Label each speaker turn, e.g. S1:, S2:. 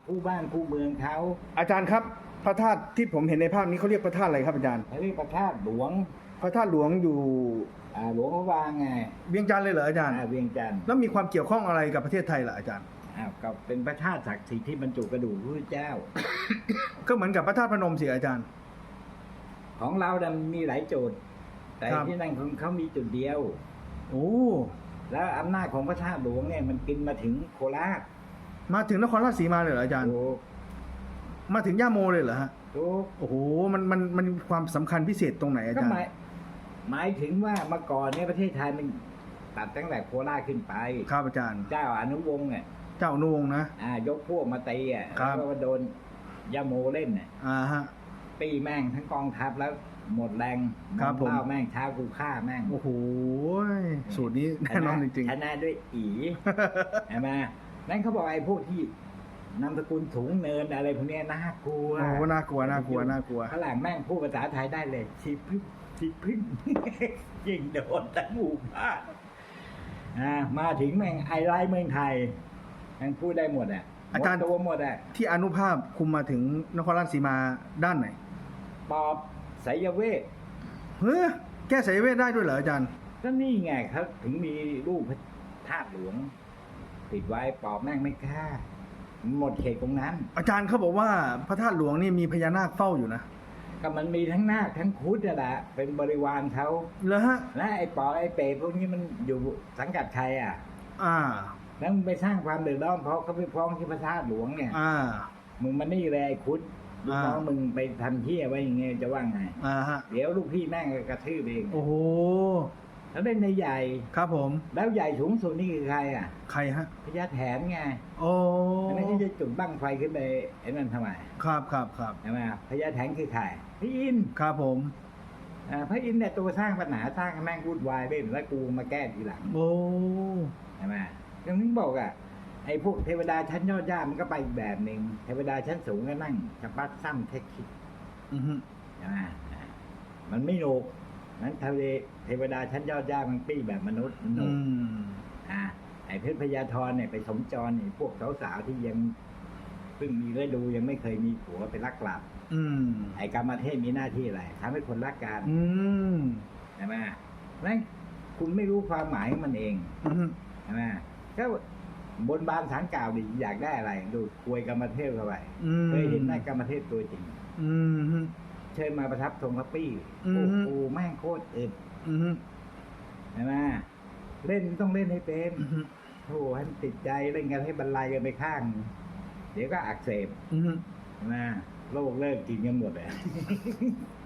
S1: คู่บ้านคู่เมืองเขา
S2: อาจารย์ครับพระธาตุที่ผมเห็นในภาพนี้เขาเรียกพระธาตุอะไรครับอาจารย์
S1: เขาเรียกพระธาตุหลวง
S2: พระธาตุหลวงอยู่
S1: หลวงพระวางไง
S2: เวียงจันทร์เลยเหรออาจารย์
S1: เวียงจันทร์
S2: แล้วมีความเกี่ยวข้องอะไรกับประเทศไทยล่ะอาจารย์
S1: ก็เป็นพระธาตุศักดิ์สิทธิ์ที่บรรจุกระดูกพระพุทธเจ้า
S2: ก็เหมือนกับพระธาตุพนมสิอาจารย์
S1: ของเราเนี่ยมีหลายจุด แต่
S2: ครับ
S1: ที่นั่นของเขามีจุดเดียว
S2: โอ้
S1: แล้วอำนาจของพระธาตุหลวงเนี่ยมันกินมาถึงโคราช
S2: มาถึงนครราชสีมาเลยเหรออาจารย์
S1: ถูก
S2: มาถึงย่าโมเลยเหรอฮะ
S1: ถูก
S2: โอ้โหมันมีความสำคัญพิเศษตรงไหนอา
S1: ก็
S2: จาร
S1: ห
S2: ย์
S1: มายถึงว่าเมื่อก่อนเนี่ยประเทศไทยมันตัดตั้งแต่โคราชขึ้นไป
S2: ครับอาจารย์
S1: เจ้าอนุวงศ์เนี่ย
S2: เจ้าอนุวงศ์นะ
S1: ยกพวกมาตี
S2: ครับ
S1: แล้วก็โดนยาโมเล่น
S2: ฮะ
S1: ปีแม่งทั้งกองทัพแล้วหมดแรง
S2: ครับผม
S1: เล่าแม่งเช้ากูฆ่าแม่ง
S2: โอ้โหสูตรนี้แน่นอนจริง
S1: ชนะด้วยอี
S2: ๆ
S1: ใช่ไหมนั่นเขาบอกไอ้พวกที่นามสกุลถุงเนินอะไรพวกเนี้ยน่ากลัว
S2: โอ้โหน่ากลัวน่ากลัวน่ากลัว
S1: ฝรั่งแม่งพูดภาษาไทยได้เลยชีพึ่งชีพึ่ง ยิงโดนทั้งหมู่บ้านมาถึงแม่งไอไลท์เมืองไทยแม่งพูดได้หมด
S2: อาจารย์
S1: หมดตัวหมด
S2: ที่อนุภาพคุมมาถึงนครราชสีมาด้านไหน
S1: ปอบไสยเวท
S2: เฮ้ยแก้สายเวทได้ด้วยเหรออาจารย์
S1: ก็นี่ไงครับถึงมีรูปพระธาตุหลวง ติดไว้ปอบแม่งไม่กล้าหมดเขตตรงนั้น
S2: อาจารย์เขาบอกว่าพระธาตุหลวงนี่มีพญานาคเฝ้าอยู่นะ
S1: ก็มันมีทั้งนาคทั้งครุฑนั่นแหละเป็นบริวารเขา
S2: เหรอฮะ
S1: และไอ้ปอบไอ้เปรตพวกนี้มันอยู่สังกัดใคร
S2: อ่า
S1: แล้วมึงไปสร้างความเดือดร้อนเพราะเขาไปฟ้องที่พระธาตุหลวงเนี่ย มึงมันนี่เลยไอ้ครุฑลูกน้องมึงไปทำเที่ยไว้อย่างเงี้ยจะว่าไง
S2: ฮะ
S1: เดี๋ยวลูกพี่แม่งก็กระทืบเอง
S2: โอ้โห
S1: แล้วเป็นในใหญ่
S2: ครับผม
S1: แล้วใหญ่สูงสุดนี่คือใคร
S2: ใครฮะ
S1: พญาแถนไง
S2: โอ้
S1: ไม่ใช่จะจุดบั้งไฟขึ้นไปไอ้นั่นทำไม
S2: ครับ
S1: ใช่ไหมพญาแถนคือใครพระอินทร์
S2: ครับผม
S1: พระอินทร์เนี่ยตัวสร้างปัญหาสร้างให้แม่งวุ่นวายเล่นแล้วกูมาแก้ทีหลัง
S2: โอ้
S1: ใช่ไหมยังนึกบอกไอ้พวกเทวดาชั้นยอดย่ามันก็ไปอีกแบบหนึ่งเทวดาชั้นสูงก็นั่งจะปัดซ้ำเทคคิด
S2: อือฮึ
S1: ใช่ไหมมันไม่โหนกนั้นเทวดาชั้นยอดย่ามันปี้แบบมนุษย์มันโหนกไอ้เพชรพญาธรเนี่ยไปสมจรพวกสาวๆที่ยังเพิ่งมีฤดูยังไม่เคยมีผัวไปรักกลับ ไอ้กรรมเทพมีหน้าที่อะไรทำให้คนรักกันใช่ไหมนั่นคุณไม่รู้ความหมายของมันเองใช่ไหมก็บนบานสารกล่าวดิอยากได้อะไรดูควยกรรมเทพเข้าไปเคยเห็นหน้ากรรมเทพตัวจริงเชิญมาประทับทรงพระปี้โอ้โหแม่งโคตรอึดใช่ไหมเล่นต้องเล่นให้เป็นโอ้ให้มันติดใจเล่นกันให้บรรลัยกันไปข้าง เดี๋ยวก็อักเสบใช่ไหมโรคเลิกกินกันหมดเลย